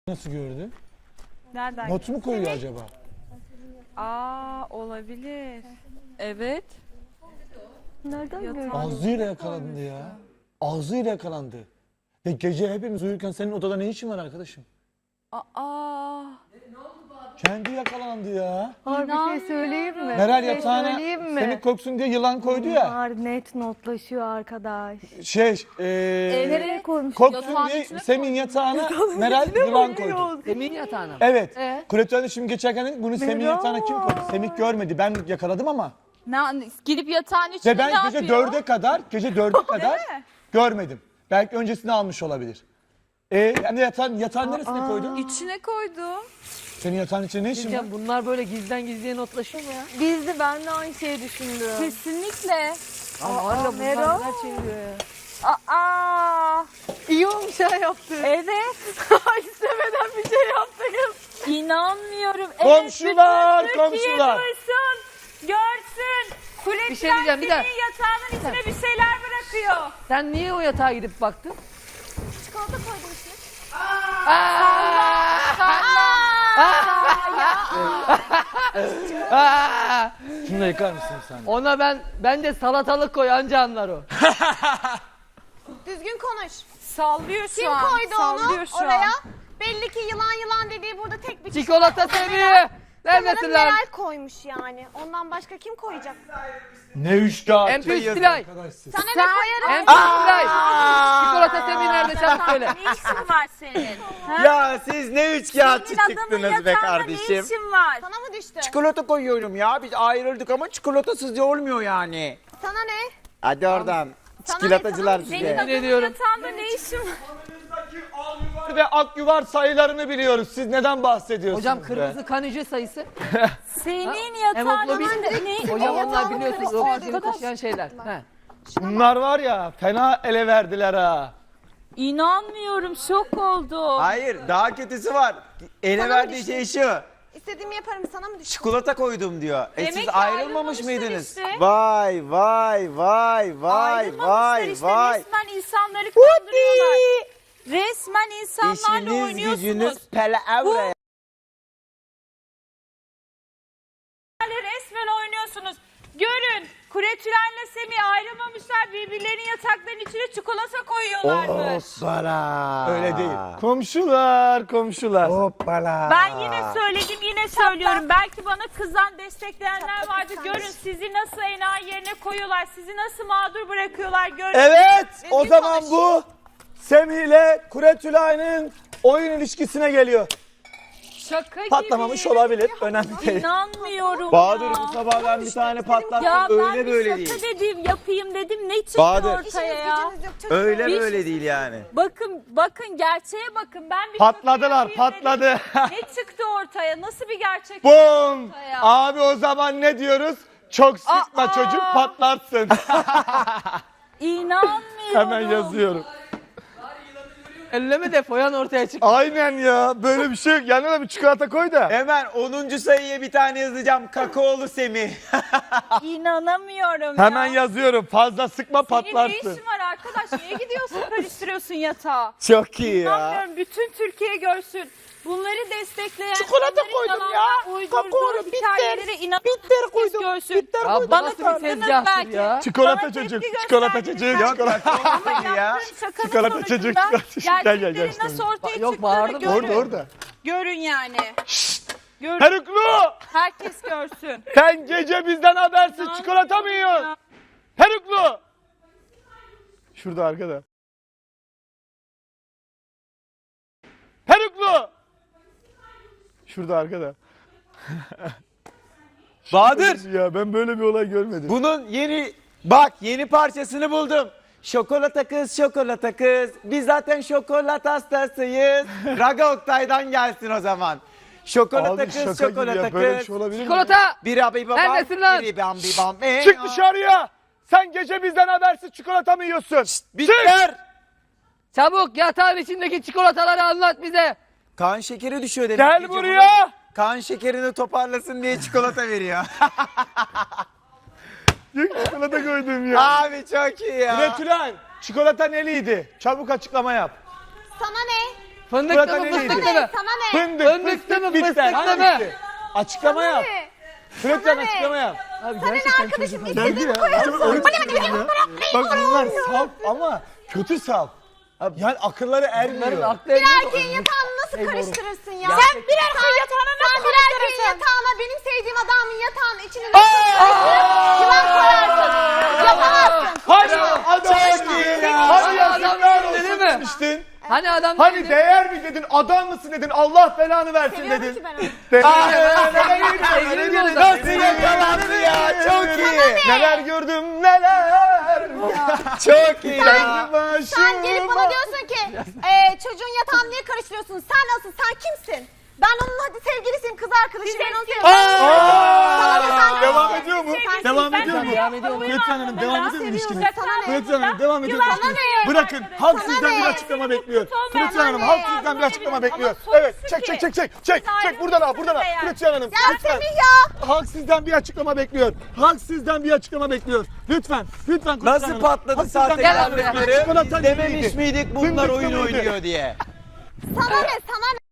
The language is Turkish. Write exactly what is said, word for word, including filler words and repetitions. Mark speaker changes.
Speaker 1: Nasıl gördü?
Speaker 2: Nereden?
Speaker 1: Not mu koyuyor acaba?
Speaker 2: Aa, olabilir. Evet.
Speaker 3: Nereden gördün?
Speaker 1: Ağzıyla yakalandı ya. Ağzıyla yakalandı. Ya gece hepimiz uyurken senin odada ne işin var arkadaşım?
Speaker 2: Aa.
Speaker 1: Kendi yakalandı ya.
Speaker 3: Var bir şey söyleyeyim mi?
Speaker 1: Meral
Speaker 3: Bir şey
Speaker 1: yatağına
Speaker 3: söyleyeyim mi?
Speaker 1: seni koksun diye yılan koydu ya.
Speaker 3: Var net notlaşıyor arkadaş.
Speaker 1: Şey, eee
Speaker 3: Nereye koymuş?
Speaker 1: koksun
Speaker 2: Yatağın
Speaker 1: diye
Speaker 2: içine
Speaker 1: Semih'in yatağına Meral yılan koydu.
Speaker 4: Semih'in yatağına.
Speaker 1: Evet.
Speaker 2: Ee?
Speaker 1: Kuretüelde şimdi geçerken dedik, bunu Semih'in
Speaker 3: Meral.
Speaker 1: yatağına kim koydu? Semih görmedi. Ben yakaladım ama.
Speaker 2: Ne, gidip yatağın içine
Speaker 1: Ve ben
Speaker 2: ne
Speaker 1: gece
Speaker 2: yapıyor?
Speaker 1: dörde kadar, gece dörde kadar
Speaker 2: mi?
Speaker 1: görmedim. Belki öncesini almış olabilir. E yani yatağın, yatağın neresine koydun?
Speaker 2: İçine koydum.
Speaker 1: Senin yatağın içinde ne işin var?
Speaker 4: Diyeceğim, bunlar böyle gizden gizliye notlaşıyor mu ya?
Speaker 3: Biz de ben de aynı şeyi düşündüm.
Speaker 2: Kesinlikle.
Speaker 4: Ama hala bunlar
Speaker 3: Meral.
Speaker 4: neler çeviriyor ya.
Speaker 2: Aa.
Speaker 3: İyi olmuş ha yaptı.
Speaker 2: Evet.
Speaker 3: İstemeden bir şey yaptık.
Speaker 2: İnanmıyorum.
Speaker 1: Komşular,
Speaker 2: evet, bütün Türkiye
Speaker 1: komşular.
Speaker 2: duysun, görsün. Kuletler
Speaker 4: Bir şey diyeceğim, bir
Speaker 2: senin
Speaker 4: dakika.
Speaker 2: yatağının içine bir şeyler bırakıyor.
Speaker 4: Sen niye o yatağa gidip baktın?
Speaker 3: Çikolata koydum işte.
Speaker 4: Aa!
Speaker 1: Şunu da yıkar mısın sen?
Speaker 4: Ona ben ben de salatalık koy anca anlar o.
Speaker 5: Düzgün konuş.
Speaker 2: Sallıyor şu
Speaker 5: Kim
Speaker 2: an.
Speaker 5: koydu
Speaker 2: Sallıyor
Speaker 5: onu
Speaker 2: şu
Speaker 5: oraya?
Speaker 2: an.
Speaker 5: Belli ki yılan yılan dediği burada tek bir kişi.
Speaker 4: Çikolata seviyor. Neredesin
Speaker 5: Sanırım
Speaker 4: lan?
Speaker 5: Meral koymuş yani. Ondan başka kim koyacak?
Speaker 1: Ne üçkağıt.
Speaker 4: M P üç Stilay.
Speaker 1: Arkadaş siz.
Speaker 5: Sana ne koyarım?
Speaker 4: M P üç Stilay. Çikolata Semih nerede çabuk söyle.
Speaker 2: Ne işin var senin?
Speaker 6: Ya siz ne üçkağıtçı
Speaker 2: Senin adamın
Speaker 6: çıktınız be
Speaker 2: yatağında ne
Speaker 6: kardeşim.
Speaker 2: işin var?
Speaker 5: Sana mı düştü?
Speaker 6: Çikolata koyuyorum ya. Biz ayrıldık ama çikolatasız da olmuyor yani.
Speaker 5: Sana ne?
Speaker 6: Hadi oradan.
Speaker 5: Sana
Speaker 6: Çikolatacılar
Speaker 5: ne? Sana
Speaker 6: size.
Speaker 2: Senin adamın
Speaker 4: ediyorum.
Speaker 2: yatağında ne işin var?
Speaker 1: Ve akyuvar sayılarını biliyoruz. Siz neden bahsediyorsunuz?
Speaker 4: Hocam
Speaker 1: be?
Speaker 4: kırmızı kan hücre sayısı.
Speaker 2: Senin yatağında
Speaker 4: Hemoglobin.
Speaker 2: ne?
Speaker 4: Hocam onlar
Speaker 5: yatağını
Speaker 4: biliyorsunuz
Speaker 5: karıştırıyor,
Speaker 4: oksijeni
Speaker 5: arkadaş.
Speaker 4: taşıyan şeyler. He.
Speaker 1: Bunlar var ya fena ele verdiler ha.
Speaker 2: İnanmıyorum, şok oldum.
Speaker 6: Hayır, daha kötüsü var. Ele
Speaker 5: Sana
Speaker 6: verdiği
Speaker 5: düştü.
Speaker 6: şey şu.
Speaker 5: İstediğimi yaparım, sana mı düştü?
Speaker 6: Çikolata koydum diyor. E
Speaker 2: Demek
Speaker 6: siz
Speaker 2: ki
Speaker 6: ayrılmamış
Speaker 2: ayrılmamışlar
Speaker 6: mıydınız?
Speaker 2: işte.
Speaker 6: Vay vay vay vay
Speaker 2: Ayrılmamışlar
Speaker 6: vay
Speaker 2: işte,
Speaker 6: vay.
Speaker 2: resmen insanları kandırıyorlar. Resmen insanlarla
Speaker 6: İşiniz
Speaker 2: oynuyorsunuz.
Speaker 6: gücünüz palavra.
Speaker 2: Resmen oynuyorsunuz. Görün, Kuretülen'le Semih ayrılmamışlar, birbirlerinin yataklarının içine çikolata koyuyorlarmış.
Speaker 6: Hoppala.
Speaker 1: Öyle değil. Komşular, komşular.
Speaker 6: Hoppala.
Speaker 2: Ben yine söyledim, yine söylüyorum. Belki bana kızan, destekleyenler vardı. Görün sizi nasıl enayi yerine koyuyorlar, sizi nasıl mağdur bırakıyorlar. Görün.
Speaker 1: Evet, o
Speaker 5: Düzgün
Speaker 1: zaman
Speaker 5: konuş.
Speaker 1: bu Semih ile Kuretülay'ın oyun ilişkisine geliyor.
Speaker 2: Şaka
Speaker 1: Patlamamış
Speaker 2: gibi.
Speaker 1: olabilir, önemli değil.
Speaker 2: İnanmıyorum
Speaker 6: Bahadır
Speaker 2: ya.
Speaker 6: bu sabah ben bir tane patlattım.
Speaker 2: Ya ben
Speaker 6: Öyle
Speaker 2: bir
Speaker 6: böyle
Speaker 2: şaka
Speaker 6: değil.
Speaker 2: dedim, yapayım dedim. Ne çıktı
Speaker 6: Bahadır.
Speaker 2: ortaya
Speaker 5: İşiniz
Speaker 2: ya?
Speaker 5: gücünüz yok çocuklar.
Speaker 6: Öyle
Speaker 2: Bir-
Speaker 6: böyle değil yani.
Speaker 2: Bakın, bakın gerçeğe bakın. Ben bir
Speaker 1: Patladılar,
Speaker 2: şaka yapayım
Speaker 1: patladı.
Speaker 2: dedim. Ne çıktı ortaya? Nasıl bir gerçek?
Speaker 1: Bum!
Speaker 2: ortaya?
Speaker 1: Abi o zaman ne diyoruz? Çok sıkma
Speaker 2: Aa!
Speaker 1: çocuk patlarsın.
Speaker 2: İnanmıyorum.
Speaker 1: Hemen yazıyorum.
Speaker 4: Elleme de foyan ortaya çıktı.
Speaker 1: Aynen ya, böyle bir şey yok. Yanına da bir çikolata koy da.
Speaker 6: Hemen onuncu sayıya bir tane yazacağım. Kakaolu Semih.
Speaker 2: İnanamıyorum
Speaker 1: Hemen
Speaker 2: ya.
Speaker 1: yazıyorum. Fazla sıkma
Speaker 2: Senin ne
Speaker 1: patlarsın.
Speaker 2: işin var arkadaş? Niye gidiyorsun karıştırıyorsun yatağı?
Speaker 1: Çok iyi ya.
Speaker 2: İnanmıyorum. Bütün Türkiye görsün. Bunları destekleyen,
Speaker 1: Çikolata
Speaker 2: onların
Speaker 1: koydum
Speaker 2: yalandan
Speaker 1: ya.
Speaker 2: uydurduğu
Speaker 1: Kakaolu, bitter.
Speaker 2: hikayeleri inanan
Speaker 1: Bitter
Speaker 2: herkes
Speaker 1: koydum.
Speaker 2: görsün.
Speaker 1: Bitter
Speaker 4: Ya bu
Speaker 2: Bana
Speaker 4: nasıl bir
Speaker 2: kızdınız
Speaker 4: tezgahtır
Speaker 2: belki.
Speaker 4: ya?
Speaker 1: Çikolata
Speaker 2: Bana
Speaker 1: çocuk,
Speaker 2: tepki
Speaker 1: çikolata
Speaker 2: gösterdiniz
Speaker 1: çocuk,
Speaker 2: belki.
Speaker 1: çikolata.
Speaker 2: Ama
Speaker 6: ya.
Speaker 2: yaptığın şakanın
Speaker 1: Çikolata
Speaker 2: sonucunda
Speaker 1: çocuk, çikolata çocuk. Gel, gel, gel,
Speaker 2: gerçeklerin
Speaker 1: işte.
Speaker 2: nasıl ortaya
Speaker 4: Yok,
Speaker 2: çıktığını
Speaker 4: bağırdım.
Speaker 2: görün.
Speaker 1: Orada orada.
Speaker 2: Görün yani. Görün.
Speaker 1: Peruklu!
Speaker 2: Herkes görsün.
Speaker 1: Sen gece bizden habersiz çikolata mı yiyorsun? Peruklu! Şurada arkada. Peruklu! Şurada arkada.
Speaker 6: Bahadır.
Speaker 1: Ya ben böyle bir olay görmedim.
Speaker 6: Bunun yeni bak yeni parçasını buldum. Şokolata kız, şokolata kız. Biz zaten şokolat hastasıyız. Raga Oktay'dan gelsin o zaman. Şokolata
Speaker 1: Abi
Speaker 6: kız,
Speaker 1: şaka gibi
Speaker 6: şokolata
Speaker 1: ya. Böyle bir
Speaker 6: kız.
Speaker 1: şey olabilir mi?
Speaker 4: Çikolata.
Speaker 6: Bir abi babam,
Speaker 4: Neredesin lan?
Speaker 6: biri bam bir bam. Ee,
Speaker 1: Çık dışarıya! Sen gece bizden habersiz çikolata mı yiyorsun?
Speaker 6: Bitter.
Speaker 4: Çabuk yatağın içindeki çikolataları anlat bize.
Speaker 6: Kan şekeri düşüyor demek.
Speaker 1: Gel
Speaker 6: gece
Speaker 1: buraya!
Speaker 6: bunun. Kan şekerini toparlasın diye çikolata veriyor.
Speaker 1: Çık çikolata koydum ya.
Speaker 6: Abi çok iyi ya.
Speaker 1: Retülen, çikolata neliydi? Çabuk açıklama yap.
Speaker 5: Sana ne?
Speaker 4: Fındıklı
Speaker 1: Çikolata
Speaker 4: mı
Speaker 1: neydi?
Speaker 4: fıstıklı mı?
Speaker 5: Sana ne?
Speaker 1: Fındık,
Speaker 4: Fındıklı
Speaker 1: fıstık,
Speaker 4: mı,
Speaker 1: bitter.
Speaker 4: fıstıklı mı?
Speaker 1: Hangisi? Açıklama yap.
Speaker 5: Ne?
Speaker 1: Fıratcan
Speaker 5: ne?
Speaker 1: açıklama yap.
Speaker 4: Abi
Speaker 5: Sana ne
Speaker 4: gerçekten
Speaker 5: arkadaşım?
Speaker 4: çocuk-
Speaker 1: Belki
Speaker 5: İstediğini
Speaker 1: ya.
Speaker 5: koyarsın.
Speaker 1: Çok öyle tutuyorum ya. Bak bunlar saf ama kötü saf. Yani akılları
Speaker 4: Bunların
Speaker 1: ermiyor.
Speaker 4: aklı
Speaker 5: Bir
Speaker 4: ermiyor.
Speaker 5: erkeğin yatağını nasıl karıştırırsın ya?
Speaker 2: Sen bir erkeğin yatağına nasıl
Speaker 5: Sen bir erkeğin
Speaker 2: karıştırırsın?
Speaker 5: yatağına benim sevdiğim adamın yatağının içine nasıl karıştırırsın? Yılan koyarsın. Yapamazsın.
Speaker 1: Hani adam
Speaker 6: iyi ya.
Speaker 1: Hani
Speaker 4: Hani
Speaker 1: yazıklar
Speaker 4: adam
Speaker 1: olsun
Speaker 4: dedi mi?
Speaker 1: demiştin.
Speaker 4: Hani adam
Speaker 1: Hani
Speaker 4: dedi?
Speaker 1: değer mi dedin, adam mısın dedin, Allah belanı versin
Speaker 5: Seviyorum
Speaker 1: dedin.
Speaker 5: ki ben onu.
Speaker 1: Dedin.
Speaker 6: Nasıl yakalandı ya? Çok iyi.
Speaker 1: Neler gördüm neler.
Speaker 6: Çok iyi ya.
Speaker 5: Sen gelip bana diyorsun ki e, çocuğun yatağını niye karıştırıyorsun? Sen nasıl? Sen kimsin? Ben onun hadi sevgilisiyim, kız arkadaşıyım. Ben onu seviyorum. Sana ne, sen
Speaker 1: Devam
Speaker 5: kimsin?
Speaker 1: ediyor mu?
Speaker 2: Sevgilisi,
Speaker 1: Devam
Speaker 2: ben
Speaker 1: ediyor mu?
Speaker 2: sana
Speaker 4: Devam ediyor mu?
Speaker 1: Fıratcan Hanım devam ediyor mu ilişkiniz?
Speaker 5: Sana ne?
Speaker 1: Fıratcan Hanım devam ediyor
Speaker 2: Yılan
Speaker 1: ilişkiniz.
Speaker 2: ne?
Speaker 1: Bırakın, halk
Speaker 5: Sana
Speaker 1: sizden bir
Speaker 5: ne?
Speaker 1: açıklama bekliyor.
Speaker 2: Son
Speaker 1: Fıratcan
Speaker 2: ver,
Speaker 1: Hanım,
Speaker 2: bana
Speaker 1: halk
Speaker 2: ne?
Speaker 1: sizden bir açıklama
Speaker 2: Ama
Speaker 1: bekliyor.
Speaker 2: sonuçta
Speaker 1: Evet, çek
Speaker 2: ki.
Speaker 1: çek çek çek. Çek,
Speaker 2: Biz
Speaker 1: çek buradan al, buradan al.
Speaker 2: ayrılmışız
Speaker 1: Fıratcan Hanım,
Speaker 5: Ya
Speaker 1: lütfen.
Speaker 5: Semih ya.
Speaker 1: Halk sizden bir açıklama bekliyor. Halk sizden bir açıklama bekliyor. Lütfen, lütfen Fıratcan
Speaker 6: Nasıl
Speaker 1: Hanım.
Speaker 6: patladı
Speaker 1: Halk sizden bir
Speaker 6: sahte
Speaker 1: açıklama
Speaker 4: Gel abi.
Speaker 1: bekliyor. Çikolata
Speaker 6: Dememiş
Speaker 1: neydi?
Speaker 6: miydik bunlar
Speaker 1: Fındıklı
Speaker 6: oyun
Speaker 1: mıydı?
Speaker 6: oynuyor diye?
Speaker 5: Sana ne? Sana ne?